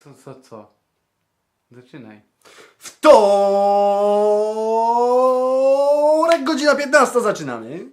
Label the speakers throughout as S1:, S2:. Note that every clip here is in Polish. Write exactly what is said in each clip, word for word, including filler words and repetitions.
S1: To co, co? Zaczynaj.
S2: Wtorek, godzina piętnasta, zaczynamy.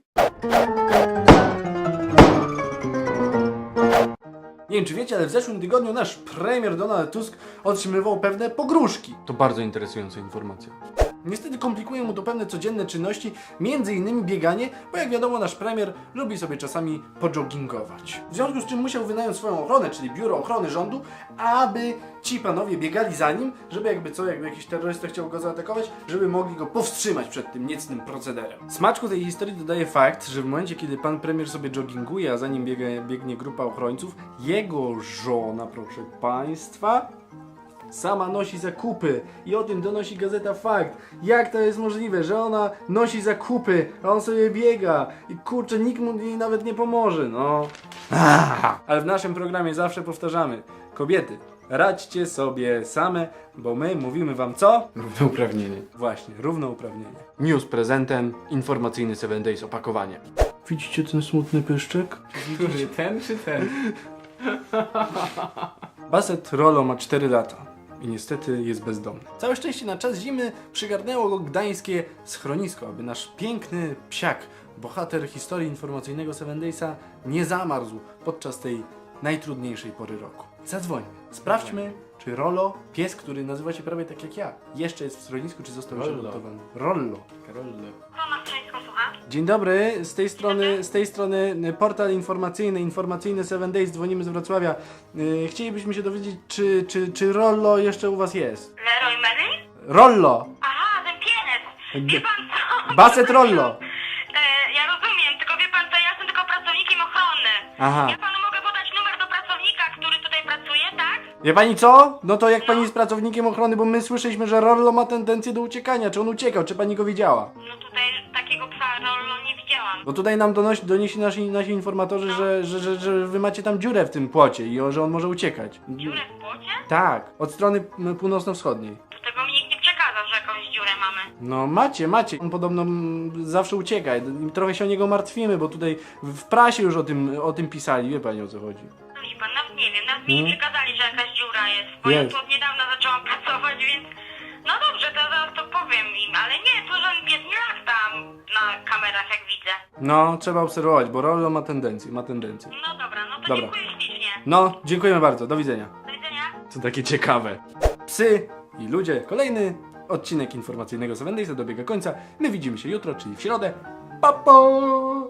S2: Nie wiem, czy wiecie, ale w zeszłym tygodniu nasz premier Donald Tusk otrzymywał pewne pogróżki.
S1: To bardzo interesująca informacja.
S2: Niestety komplikuje mu to pewne codzienne czynności, między innymi bieganie, bo jak wiadomo nasz premier lubi sobie czasami pojoggingować. W związku z czym musiał wynająć swoją ochronę, czyli Biuro Ochrony Rządu, aby ci panowie biegali za nim, żeby jakby co, jakby jakiś terrorysta chciał go zaatakować, żeby mogli go powstrzymać przed tym niecnym procederem. Smaczku tej historii dodaje fakt, że w momencie, kiedy pan premier sobie jogginguje, a za nim biega, biegnie grupa ochrońców, jego żona, proszę państwa, sama nosi zakupy i o tym donosi gazeta Fakt. Jak to jest możliwe, że ona nosi zakupy, a on sobie biega i kurczę, nikt mu jej nawet nie pomoże, no. Ah. Ale w naszym programie zawsze powtarzamy, kobiety, radźcie sobie same, bo my mówimy wam co?
S1: Równouprawnienie.
S2: Właśnie, równouprawnienie.
S1: News prezentem, informacyjny seven days opakowanie.
S2: Widzicie ten smutny pyszczek?
S1: Który, ten czy ten?
S2: Baset Rolo ma cztery lata. I niestety jest bezdomny. Całe szczęście na czas zimy przygarnęło go gdańskie schronisko, aby nasz piękny psiak, bohater historii informacyjnego seven daysa, nie zamarzł podczas tej najtrudniejszej pory roku. Zadzwońmy. Sprawdźmy, czy Rolo, pies, który nazywa się prawie tak jak ja, jeszcze jest w schronisku, czy został już
S1: Rollo.
S2: adoptowany. Rollo.
S1: Karollo.
S3: Roma Strzeńsko, słucham.
S2: Dzień dobry, z tej strony, z tej strony portal informacyjny, informacyjny seven days, dzwonimy z Wrocławia. Yy, chcielibyśmy się dowiedzieć, czy, czy, czy Rollo jeszcze u was jest?
S3: Leroy Merlin?
S2: Rollo!
S3: Aha, ten pies. Wie pan co?
S2: Baset Rollo!
S3: E, ja rozumiem, tylko wie pan co, ja jestem tylko pracownikiem ochrony.
S2: Aha.
S3: Ja panu mogę podać numer do pracownika, który tutaj pracuje, tak?
S2: Wie pani co? No to jak pani jest pracownikiem ochrony, bo my słyszeliśmy, że Rollo ma tendencję do uciekania. Czy on uciekał? Czy pani go widziała?
S3: No tutaj takiego psa Rollo nie widziałam.
S2: Bo tutaj nam donosi, donieśli nasi, nasi informatorzy, że, że, że, że wy macie tam dziurę w tym płocie i o, że on może uciekać.
S3: Dziurę w płocie?
S2: Tak, od strony m, północno-wschodniej.
S3: To tego mi nikt nie przekazał, że jakąś dziurę mamy.
S2: No macie, macie. On podobno mm, zawsze ucieka. I trochę się o niego martwimy, bo tutaj w prasie już o tym, o tym pisali. Wie pani, o co chodzi.
S3: No widzi pan, nawet nie wiem, nawet mi
S2: Hmm?
S3: nie przekazali, że jakaś dziura jest. Bo
S2: Jest.
S3: ja tu od niedawna zaczęłam pracować, więc... No dobrze, to zaraz to powiem im, ale nie, to żaden pies nie lata na kamerach, jak widzę.
S2: No, trzeba obserwować, bo Rollo ma tendencję, ma tendencję.
S3: No dobra, no to
S2: Dobra.
S3: dziękuję ślicznie.
S2: No, dziękujemy bardzo. Do widzenia.
S3: Do widzenia.
S2: To takie ciekawe. Psy i ludzie. Kolejny odcinek informacyjnego seven daysa dobiega końca. My widzimy się jutro, czyli w środę. Pa, pa!